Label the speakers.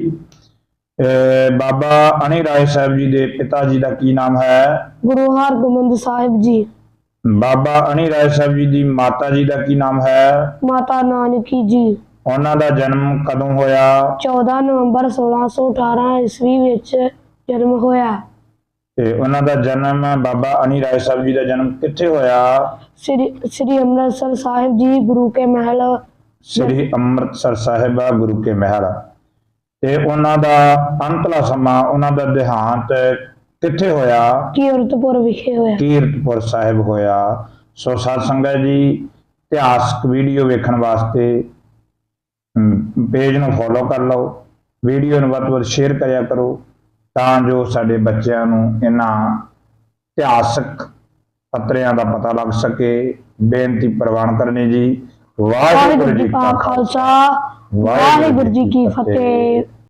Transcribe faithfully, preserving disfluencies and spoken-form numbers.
Speaker 1: ਅਹ ਬਾਬਾ ਅਣੀ ਰਾਏ ਸਾਹਿਬ ਜੀ ਦੇ ਪਿਤਾ ਜੀ ਦਾ ਕੀ ਨਾਮ ਹੈ?
Speaker 2: ਗੁਰੂ ਹਰਗੋਬਿੰਦ ਸਾਹਿਬ ਜੀ।
Speaker 1: ਬਾਬਾ ਅਣੀ ਰਾਏ ਸਾਹਿਬ ਜੀ ਦੀ ਮਾਤਾ ਜੀ ਦਾ ਕੀ ਨਾਮ ਹੈ?
Speaker 2: ਮਾਤਾ ਨਾਨਕੀ ਜੀ।
Speaker 1: ਉਹਨਾਂ ਦਾ ਜਨਮ ਕਦੋਂ ਹੋਇਆ?
Speaker 2: ਚੌਦਾਂ ਨਵੰਬਰ ਸੋਲਾਂ ਸੌ ਅਠਾਰਾਂ ਈਸਵੀ ਵਿੱਚ ਜਨਮ ਹੋਇਆ।
Speaker 1: ਤੇ ਉਹਨਾਂ ਦਾ ਜਨਮ ਬਾਬਾ ਅਣੀ ਰਾਏ ਸਾਹਿਬ ਜੀ ਦਾ ਜਨਮ ਕਿੱਥੇ ਹੋਇਆ?
Speaker 2: ਸ੍ਰੀ ਸ੍ਰੀ ਅੰਮ੍ਰਿਤਸਰ ਸਾਹਿਬ ਜੀ, ਗੁਰੂ ਕੇ ਮਹਿਲ।
Speaker 1: ਸ੍ਰੀ ਅੰਮ੍ਰਿਤਸਰ ਸਾਹਿਬ ਗੁਰੂ ਕੇ ਮਹਿਲ। ਤੇ ਉਹਨਾਂ ਦਾ ਅੰਤਲਾ ਸਮਾਂ, ਉਹਨਾਂ ਦਾ ਦੇਹਾਂਤ ਕਿੱਥੇ ਹੋਇਆ?
Speaker 2: ਕੀਰਤਪੁਰ ਵਿਖੇ ਹੋਇਆ।
Speaker 1: ਕੀਰਤਪੁਰ ਸਾਹਿਬ ਹੋਇਆ। ਸੋ ਸਾਧ ਸੰਗਤ ਜੀ, ਇਤਿਹਾਸਕ ਵੀਡੀਓ ਵੇਖਣ ਵਾਸਤੇ ਪੇਜ ਨੂੰ ਫੋਲੋ ਕਰ ਲਓ, ਵੀਡੀਓ ਨੂੰ ਵੱਧ ਤੋਂ ਵੱਧ ਸ਼ੇਅਰ ਕਰਿਆ ਕਰੋ ਤਾਂ ਜੋ ਸਾਡੇ ਬੱਚਿਆਂ ਨੂੰ ਇਹਨਾਂ ਇਤਿਹਾਸਕ ਪੱਤਰਿਆਂ ਦਾ ਪਤਾ ਲੱਗ ਸਕੇ। ਬੇਨਤੀ ਪ੍ਰਵਾਨ ਕਰਨੀ ਜੀ। ਵਾਹਿਗੁਰੂ ਜੀ ਕਾ ਖਾਲਸਾ, ਵਾਹਿਗੁਰੂ ਜੀ ਕੀ ਫਤਿਹ।